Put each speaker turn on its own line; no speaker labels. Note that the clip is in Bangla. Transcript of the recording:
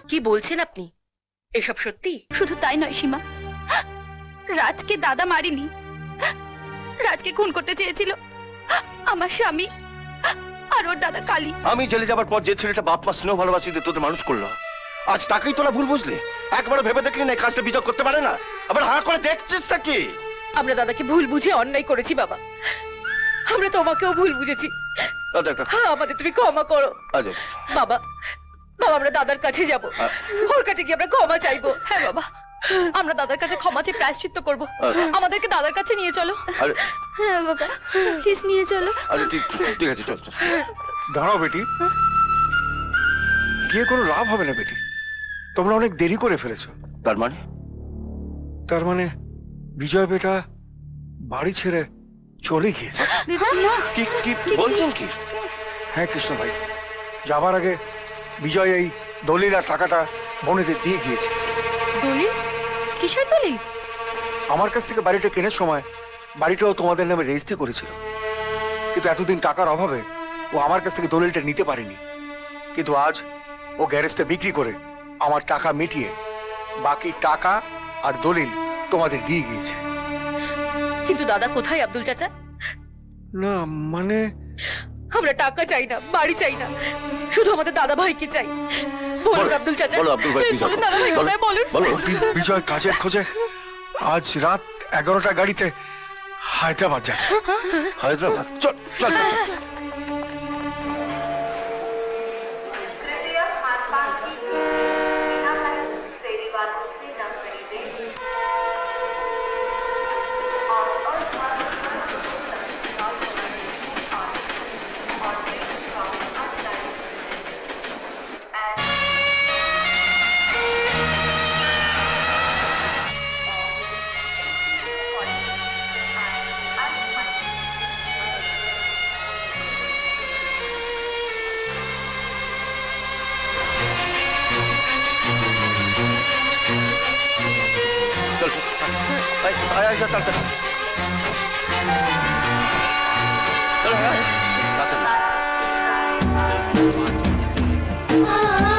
কি বলছেন আপনি? এসব সত্যি?
শুধু তাই নয় সীমা, রাজকে দাদা মারিনি, রাজকে খুন করতে চেয়েছিল আমার স্বামী আর ওর দাদা কালী।
আমি জেলে যাবার পর যে ছেলেটা বাপ মা স্নেহ ভালোবাসি দিয়ে তোদের মানুষ করলো, আজ তাকেই তোরা ভুল বুঝলি? একবার ভেবে দেখলি না এই কাজটা বিজয় করতে পারে না? আবার হা করে দেখছিস কি?
আমরা দাদাকে ভুল বুঝে অন্যায় করেছি বাবা, আমরা তোমাকেও ভুল বুঝেছি। হ্যাঁ, আমাদের তুমি ক্ষমা করো বাবা। বাবা, আমরা দাদার কাছে যাব, ওর কাছে গিয়ে আমরা ক্ষমা চাইবো।
হ্যাঁ বাবা, আমরা দাদার কাছে ক্ষমা চেয়ে প্রায়শ্চিত্ত করব। আমাদেরকে দাদার কাছে নিয়ে চলো। হ্যাঁ বাবা, প্লিজ নিয়ে চলো।
আরে ঠিক আছে, চল চল।
দাঁড়াও বেটি, গিয়ে কোনো লাভ হবে না বেটি, তোমরা অনেক দেরি করে ফেলেছো। তার মানে বিজয় বেটা বাড়ি ছেড়ে চলে গিয়েছে?
কি বলছেন কি?
হ্যাঁ কৃষ্ণ ভাই, যাবার আগে বিজয় এই দলিল আর টাকাটা বোনেদের দিয়ে গিয়েছে।
দলিল? কিসের দলিল?
আমার কাছ থেকে বাড়িটা কেনার সময় বাড়িটাও তোমাদের নামে রেজিস্ট্রি করেছিল, কিন্তু এতদিন টাকার অভাবে ও আমার কাছ থেকে দলিলটা নিতে পারেনি। কিন্তু আজ ও গ্যারেজটা বিক্রি করে আমার টাকা মিটিয়ে বাকি টাকা আর দলিল তোমাদের দিয়ে গিয়েছে।
কিন্তু দাদা কোথায় আব্দুল চাচা?
না মানে
আমরা টাকা চাই না, বাড়ি চাই না, শুধু আমাদের দাদা ভাইকে চাই। বলুন আব্দুল চাচা, বলুন দাদা ভাই কোথায়, বলুন।
বিজয় কাজের খোঁজে আজ রাত 11টা গাড়িতে হায়দ্রাবাদ যাচ্ছে।
হায়দ্রাবাদ? চল চল চল।
Ah